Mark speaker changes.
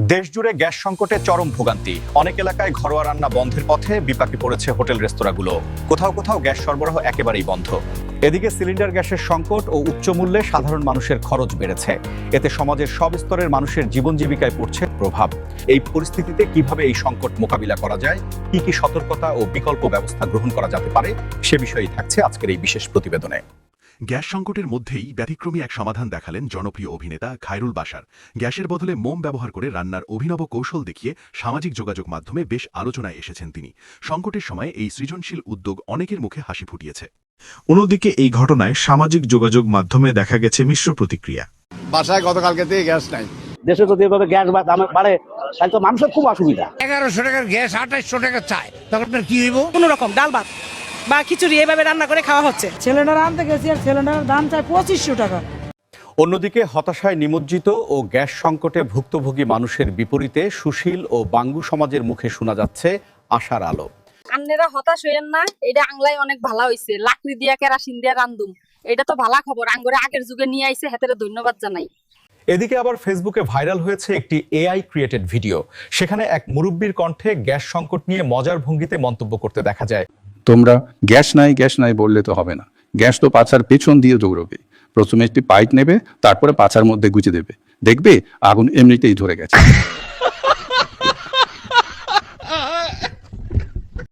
Speaker 1: দেশজুড়ে গ্যাস সংকটে চরম ভোগান্তি। অনেক এলাকায় ঘরোয়া রান্না বন্ধের পথে, বিপাকে পড়েছে হোটেল রেস্তোরাঁগুলো। কোথাও কোথাও গ্যাস সরবরাহ একেবারেই বন্ধ। এদিকে সিলিন্ডার গ্যাসের সংকট ও উচ্চ মূল্যে সাধারণ মানুষের খরচ বেড়েছে। এতে সমাজের সব স্তরের মানুষের জীবন জীবিকায় পড়ছে প্রভাব। এই পরিস্থিতিতে কিভাবে এই সংকট মোকাবিলা করা যায়, কি সতর্কতা ও বিকল্প ব্যবস্থা গ্রহণ করা যেতে পারে, সে বিষয়েই থাকছে আজকের এই বিশেষ প্রতিবেদনে।
Speaker 2: গ্যাস সংকটের মধ্যেই ব্যতিক্রমী এক সমাধান দেখালেন জনপ্রিয় অভিনেতা খায়রুল বাশার। গ্যাসের বদলে মোম ব্যবহার করে রান্নার অভিনব কৌশল দেখিয়ে সামাজিক যোগাযোগ মাধ্যমে বেশ আলোচনায় এসেছেন তিনি। সংকটের সময় এই সৃজনশীল উদ্যোগ অনেকের মুখে হাসি ফুটিয়েছে।
Speaker 3: অন্যদিকে এই ঘটনায় সামাজিক যোগাযোগ মাধ্যমে দেখা গেছে মিশ্র প্রতিক্রিয়া।
Speaker 4: বাসায় গতকালকে থেকে গ্যাস নাই।
Speaker 5: দেশে যদি এভাবে গ্যাস দাম বাড়ে তাহলে তো মানুষের খুব অসুবিধা।
Speaker 6: 1100 টাকার গ্যাস 2800 টাকা চায়, তখন কি হইব?
Speaker 7: কোন রকম ডাল ভাত বা খিচুড়ি এইভাবে রান্না করে খাওয়া হচ্ছে।
Speaker 8: সিলিন্ডার আনতে গেছি আর সিলিন্ডারের দাম চাই 2500 টাকা।
Speaker 1: অন্যদিকে হতাশায় নিমজ্জিত ও গ্যাস সংকটে ভুক্তভোগী মানুষের বিপরীতে সুশীল ও বাঙ্গু সমাজের মুখে শোনা যাচ্ছে আশার আলো।
Speaker 9: আন্নেরা হতাশ হইেন না, এটা আংলাই অনেক ভালো হইছে। লাকড়ি দিয়া কেরাসিন দিয়া রান্ধুম, এটা তো ভালো খবর। আঙ্গরে আগের যুগে নিয়ে আইছে, হেতেরে ধন্যবাদ জানাই।
Speaker 1: এদিকে আবার ফেসবুকে ভাইরাল হয়েছে একটি এআই ক্রিয়েটেড ভিডিও। সেখানে এক মুরব্বির কণ্ঠে গ্যাস সংকট নিয়ে মজার ভঙ্গিতে মন্তব্য করতে দেখা যায়।
Speaker 10: তোমরা গ্যাস নাই বললে তো হবে না। গ্যাস তো পাছার পেছন দিয়ে দৌড়বে। প্রথমে একটি পাইপ নেবে, তারপরে পাছার মধ্যে গুঁজে দেবে, দেখবে আগুন এমনিতেই ধরে গেছে।